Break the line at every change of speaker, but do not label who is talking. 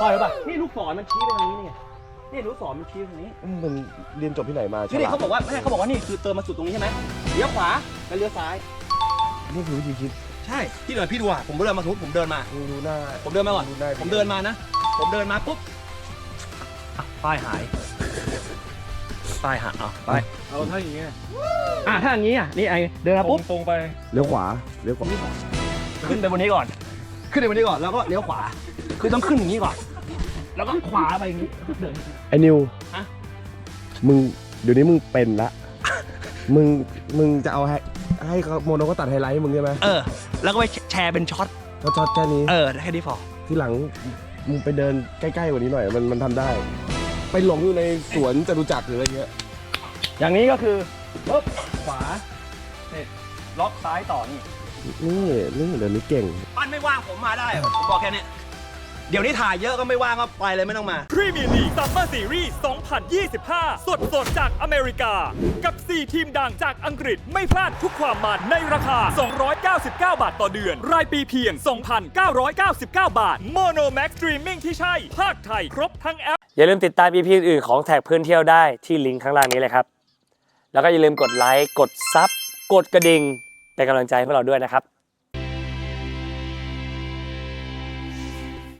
พ่อรู้ป่ะนี่ลูกศรมันชี้ไปทางนี้นี่ลูกศรมันชี้ไปทางนี้
มันเรียนจบที่ไหนมา
นี่เขาบอกว่าไม่ใช่เขาบอกว่านี่คือเติมมาสุดตรงนี้ใช่ไหมเลี้ยวขวาแล้วเลี้ยวซ้าย
นี่คือวิธีคิด
ใช่พี่เดินพี่ดูอ่ะผมเดินมาสมมติผมเดินมา
ดูหน้า
ผมเดินมาก่อนผมเดินมานะผมเดินมาปุ๊บป้ายหายป้าย
เอาถ้าอย่างเงี้ย
ถ้าอย่างนี้นี่ไอเดินมาปุ๊บ
ตรงไป
เลี้ยวขวา
ขึ้นไปบนนี้ก่อนแล้วก็เลี้ยวขวาคือต้องขึ้นอย่างนี้ก่อนแล้วก็ขวาไปอย่างนี้เดิน
ไอ้นิว มึงเดี๋ยวนี้มึงเป็นละ มึงจะเอาให้เขาโมโนก็ตัดไฮไลท์ให้มึงใช่ไหม
แล้วก็ไปแชร์เป็นช็อต
แค่นี้
แค่นี้พอ
ที่หลังมึงไปเดินใกล้ๆกว่านี้หน่อยมันทำได้ไปหลงอยู่ในสวนจตุจักรหรืออะไรเงี้ย
อย่างนี้ก็คือปุ๊บขวาเสร็จล็อกซ้ายต่อนี่
เดี๋ยวนี้เก่ง
ปั้นไม่ว่างผมมาได้ผมบอกแค่นี้เดี๋ยวนี้ถ่ายเยอะก็ไม่ว่างก็ไปเลยไม่ต้องมา
พรีเมียร์ลีกซัมเมอร์ซีรีส์ 2025 สดจากอเมริกา กับ 4 ทีมดังจากอังกฤษไม่พลาดทุกความมันในราคา 299 บาทต่อเดือน รายปีเพียง 2,999 บาท Mono Max Streaming ที่ใช่ ภาคไทยครบทั้งแอป
อย่าลืมติดตาม EP อื่นของแท็กเพื่อนเที่ยวได้ที่ลิงก์ข้างล่างนี้เลยครับแล้วก็อย่าลืมกดไลค์กดซับกดกระดิ่งเป็นกำลังใจให้พวกเราด้วยนะครับ